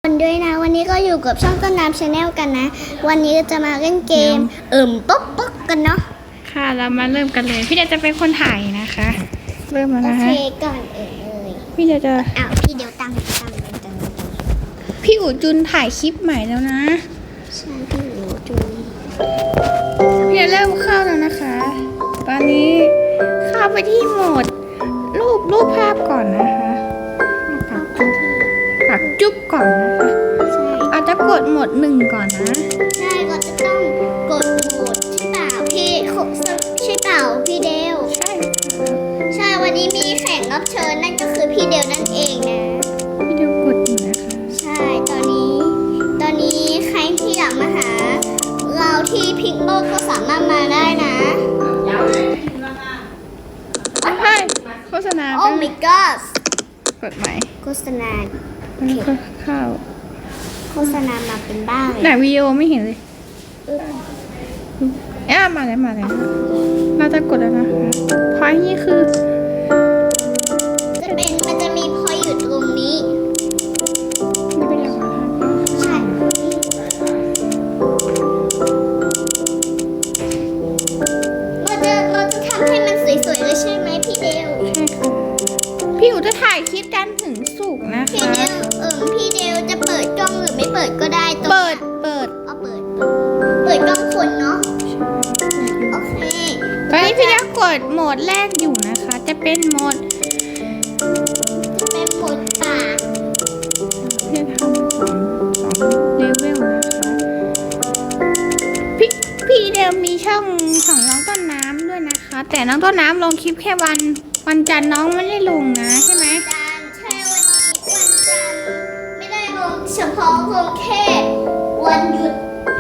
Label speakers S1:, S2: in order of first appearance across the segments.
S1: ด้วยนะวันนี้ก็อยู่กับช่องต้นน้ำชาแนลกันนะวันนี้จะมาเล่นเกมป๊อกกันเนาะ
S2: ค่ะเรามาเริ่มกันเลยพี่เดวจะเป็นคนถ่ายนะคะเริ่มมา
S1: โอ
S2: แล้ว
S1: เค
S2: ฮะ
S1: ก่อนเลย
S2: พี่เดวจะ
S1: พี่เดี๋ยวตั้ง
S2: พี่อู๋จุนถ่ายคลิปใหม่แล้วนะ
S1: ใช่พี่หนูจูน
S2: พี่เดวเริ่มเข้าแล้วนะคะ ตอนนี้เข้าไปที่โหมดรูปภาพก่อนนะคะปักจุ๊บก่อนนะคะ
S1: ใช่
S2: อาจจะกดโหมด1ก่อนนะ
S1: ใช่ก็จะต้องกดโหมดใช่เปล่าพี่ใช่เปล่าพี่เดว
S2: ใช่
S1: ใช่วันนี้มีแขกรับเชิญนั่นก็คือพี่เดวนั่นเองนะ
S2: พี่เดวกดอยู่นะคะ
S1: ใช่ตอนนี้ใครที่อยากมาหาเราที่พิกโลกก็สามารถมาได้นะ
S2: ใช่โฆษณา
S1: โอ้ my god
S2: กดใหม่
S1: โฆษณา
S2: แล้วก็เข้า
S1: โฆษณามาเป็นบ้าเล
S2: ไหน
S1: ย
S2: วิดีโอไม่เห็นเลยมาแล้วเราจะกดแล้วนะคะพอยนี่คือ
S1: มันจะมีพอยอยู่ตรงนี้
S2: นี่เป็นอย่างไร
S1: ใช่เราจะทำให้มันสวยๆเลยใช่ไหมพี่เดว
S2: ใช่ค่ะพี่อู๋จะถ่ายคลิปจันทร์ถึงศุกร์นะ
S1: พี่
S2: คะ
S1: เดวพี่เดวจะเปิดกล้องหรือไม่เปิดก็ได้ตรง
S2: เปิด
S1: เอาเปิดกล้องคนเนาะโอเค
S2: ตอนนี้พี่จะกดโหมดแรกอยู่นะคะ จะเป็นโหมด
S1: เป็นหมดปาก
S2: พี่ทำสองเลเวลนะคะพี่เดิมมีช่องของน้องต้นน้ำด้วยนะคะ แต่น้องต้นน้ำลงคลิปแค่วันจันทร์น้องไม่ได้ลงนะใช่ไหม
S1: ใช่วันจันทร์ไม่ได้ลงเฉพาะลงแค่วันหยุด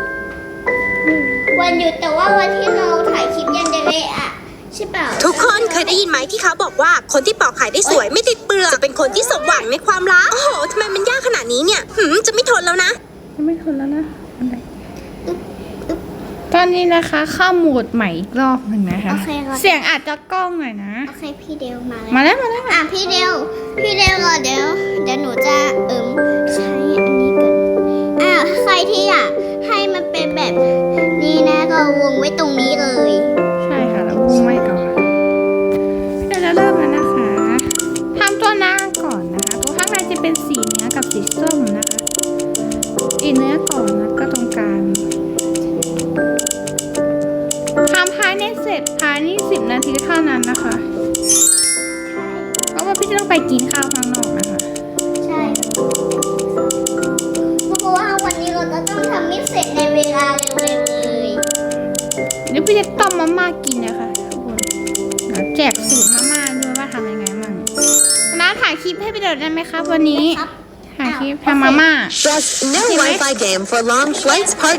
S1: แต่ว่าวันที่เราถ่ายคลิปยันเดเลอะใช่เปล่า
S3: ทุกคนเคยได้ยินไหมที่เขาบอกว่าคนที่ปอกไข่ได้สวยไม่ติดเปลือกจะเป็นคนที่สมหวังในความรัก โอ้โหทำไมมันยากขนาดนี้เนี่ยจะไม่ทนแล้วนะ
S2: ยังไม่ทนแล้วนะอะไรตอนนี้นะคะเข้าโหมดใหม่อีกรอบหนึ่งนะคะ
S1: โอเคค่ะ
S2: เสียงอาจจะกล้องหน่อยนะ
S1: โอเคพี่เดวมา
S2: มา
S1: แล้ว
S2: แล้ว
S1: พี่เดวรอเดี๋ยวหนูจะใช้อันนี้กันใครที่อยากให้มันเป็นแบบนี้นะก็วงไว้ตรงนี้เลย
S2: ใช่ค่ะแล้ววงไว้ก่อนเดี๋ยวจะเริ่มแล้วนะคะทำตัวหน้าก่อนนะคะ ตัวข้างในจะเป็นสีเนื้อกับสีส้มนะคะสีเนื้อก่อนแล้วก็ตรงกลางทำภายในเสร็จภายใน10 นาทีเท่านั้นนะคะ เพราะว่าพี่จะต้องไปกินข้าวข้างนอกนะคะ
S1: ใช่เพราะว่าวันนี้เราจะต้องทำให้เสร็จในเวลาเร็วๆเลย
S2: เดี๋ยวพี่จะต้มมาม่ากินนะคะทุกคนเดี๋ยวแจกสูตรมาม่าด้วยว่าทำยังไงมั่งน้าถ่ายคลิปให้พี่เดดได้ไหมครับวันนี้
S1: ครับ
S2: ถ่ายคลิปทำมาม่า
S3: Press No Wi-Fi Game for Long Flights Part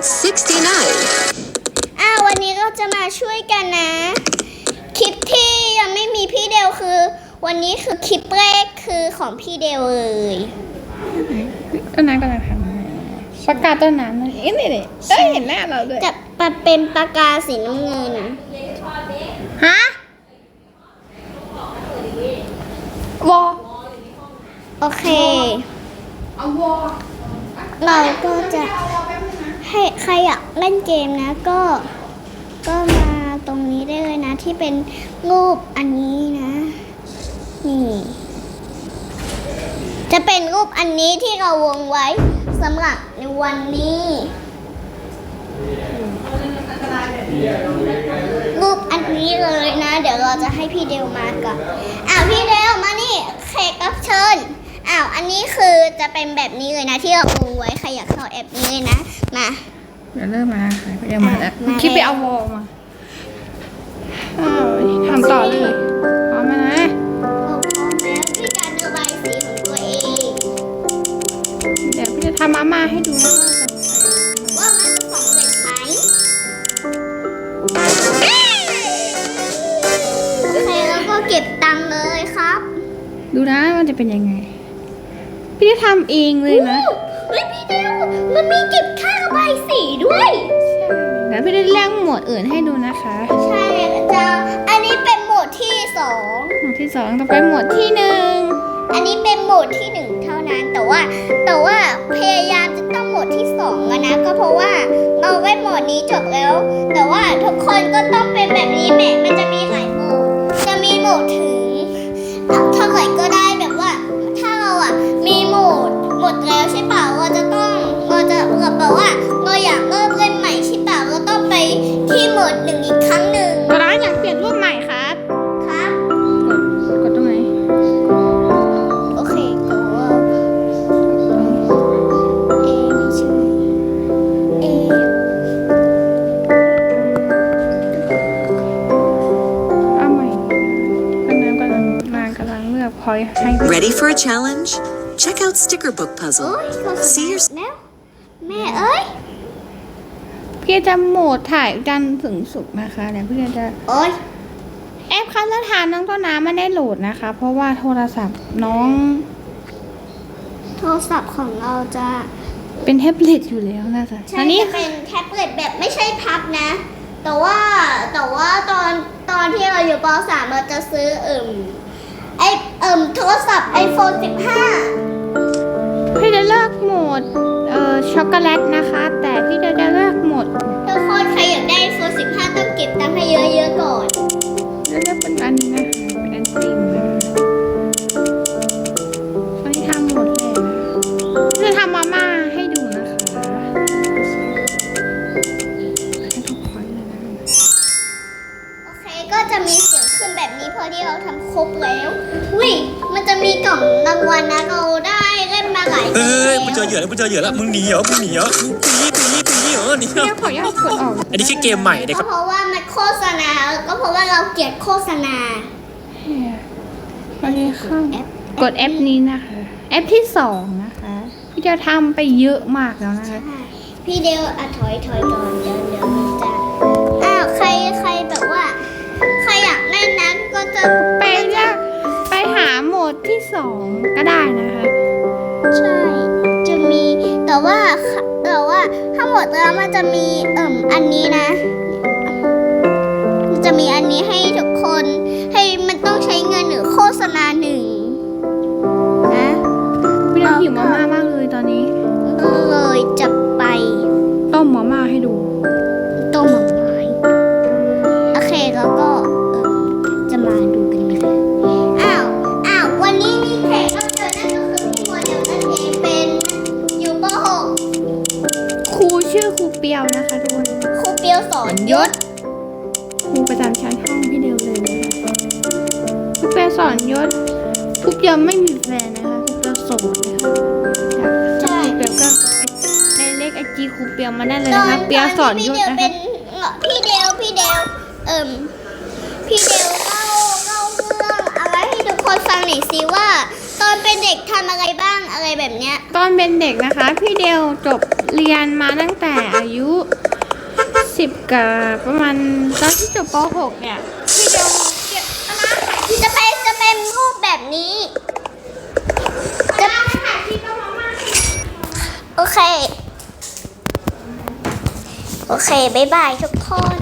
S3: 69
S1: วันนี้เราจะมาช่วยกันนะ คลิปที่ยังไม่มีพี่เดวคือ วันนี้คือคลิปแรกคือของพี่เดวเลย
S2: ต้นน้ำกำลังทำประกาศต้นน้ำนะเอ๊ะนี่เห็นหน้าเราด้วย
S1: จะเป็นปากกาสีน้ำเงิน
S2: ฮะวอ
S1: โอเค เราก็จะให้ใครอยากเล่นเกมนะก็มาตรงนี้ได้เลยนะที่เป็นรูปอันนี้นะนี่จะเป็นรูปอันนี้ที่เราวงไว้สำหรับในวันนี้รูปอันนี้เลยนะ เดี๋ยวเราจะให้พี่เดวมาก่อนพี่เดวมานี่แขกรับเชิญอันนี้คือจะเป็นแบบนี้เลยนะที่เราวงไว้ใครอยากเข้าแอปนี้เลยนะมา
S2: เดี๋ยวเริ่มมาค่ะเดี๋ยวมาแล้ว
S1: มาแล้ว
S2: คิดไปเอาวอมาทำต่อเลยพร้อมไหมนะ
S1: เราพร้อมแล้วด้วยการระบายสีของตัวเอง
S2: เดี๋ยวพี่จะทำมาม่าให้ดูนะ
S1: ว่ามันจะสำเร็จไหมโอเคแล้วก็เก็บตังค์เลยครับ
S2: ดูนะมันจะเป็นยังไง พี่จะทำเองเลยนะ
S1: เฮ้ยพี่เดวมันมีเก็บค่าระบายสีด้วย
S2: เดี๋ยวพี่จะเลือกโหมดอื่นให้ดูนะคะ
S1: ใช่อันนี้เป็นโหมดที่ 2
S2: โหมดที่ 2ต่อไปโหมดที่ 1
S1: อันนี้เป็นโหมดที่ 1 เท่านั้น แต่ว่าพยายดที่2แล้วนะก็เพราะว่าเราได้โหมดนี้จบแล้ว แต่ว่าทุกคนก็ต้องเป็นแบบนี้แหมมันจะมีหลายโหมดจะมีโหมดถึงเท่าไหร่ก็ได้แบบว่าถ้าเรามีโหมดหมดแล้วใช่เปล่าเราจะแบบว่าเราอยากเริ่มเล่นใหม่ใช่เปล่าเราต้องไปที่โหมด1อีกครั้งหนึ่ง
S2: ตัวร้านอยากเปลี่ยนรูปใหม่ครับ
S1: ครับ
S2: กดตรงไหน
S1: โอเคแต่ว่าไม่ใช่
S2: เอาใหม่กำลังเลือกพอยให้
S4: Ready for a challenge? Check out Sticker Book
S1: โอ้
S4: Puzzle.
S1: ยโฆษ
S4: See
S1: ณา
S4: your
S1: แล้วแม่เอ้ย
S2: พี่จะโหมดถ่ายจันทร์ถึงศุกร์นะคะเดี๋ยวพี่จะ
S1: โอ้ย
S2: แอปคันละทานน้องต้นน้ำไม่ได้โหลดนะคะ เพราะว่าโทรศัพท์น้อง
S1: โทรศัพท์ของเราจะ
S2: เป็นแท็บเล็ตอยู่แล้วนะคะ
S1: ใช่
S2: อันนี้
S1: จะเป็นแท็บเล็ตแบบไม่ใช่พับนะ แต่ว่าตอนที่เราอยู่ป .3 เราจะซื้อโทรศัพท์ iPhone 15
S2: พี่จะเลือกโหมดช็อกโกแลตนะคะ แต่พี่จะเลือกโหมด
S1: ทุกคนใครอยากได้ iPhone 15 ต้องเก็บตังค์ให้เยอะๆก่อน
S2: จะเลือกเป็นอันนี้นะคะเป็นอันติมนะคะอันนี้ทำหมดเลยนะจะทำมาม่าให้ดูนะคะให้ทุกคนเลยนะ
S1: โอเคก็จะมีเสียงขึ้นแบบนี้พอที่เราทำครบแล้ววิมันจะมีกล่องรางวัลนะเราได้เล่นมาหลาย
S5: เอ้ย
S1: ปี
S5: มึงเจอเหยื่อแล้วมึงเจอเหยื่อแล้วมึงหนีเหรอมึงหนีเหรอมึงหนีเหรอนี่
S2: พี่ขออนุญาตกดออก
S5: อันนี้แค่เกมใหม่นะค
S1: ก็
S5: รับ
S1: เพราะว่ามันโฆษณาก็เพราะว่าเราเกลียดโฆษณา
S2: วันนี้เข้ากดแอปนี้นะคะแอปที่2นะคะพี่จะทำไปเยอะมากแล้วนะคะ
S1: พี่เดวถอยก่อนเดี๋ยวมันจะใครแบบว่าใครอยากเล่นนะก็จะ
S2: ไปเลือกไปหาโหมดที่2ก็ได้นะคะ
S1: ใช่จะมีแต่ว่าทั้งหมดแล้วมันจะมีอันนี้นะมันจะมีอันนี้ให้ทุกคนให้มันต้องใช้เงินหรือโฆษณา1นะ
S2: พี่เราหิวมาม่ามากเลยตอนนี้
S1: ก็เลยจะไป
S2: ต้มมาม่าให้ดู
S1: ต้มหม่ไม้โอเคแล้วก็จะมาดูกันนะคะอ้าววันนี้มีแขกรับเชิญนั่นก็คือพี่โมเดลนั่นเองเป็นอยู่ป
S2: ครูชื่อครูเปียวนะคะทุกคน
S1: .6 ครูเปียวสอนยศ
S2: ครูประจำชั้นห้องพี่เดียวเลยนะคะครูเปียวสอนยศครูเปียวไม่มีแฟนนะคะครูเปียวโสดนะคะครูเปียวก็ในเลขไอจีครูเปียวมาได้เลยนะคะเปียวสอนยศ
S1: พี่เดว
S2: นะ
S1: เป็
S2: คะ
S1: นพี่เดวพี่เดวเล่าเรื่องอะไรให้ทุกคนฟังหน่อยสิว่าตอนเป็นเด็กทำอะไรบ้างอะไรแบบเนี้ย
S2: ตอนเป็นเด็กนะคะ พี่เดียวจบเรียนมาตั้งแต่อายุ10กับประมาณตอนที่จบป .6 เนี่ยพี่เดียว
S1: จะเป็นรูปแบบนี้จะโอเค บ๊ายบายทุกคน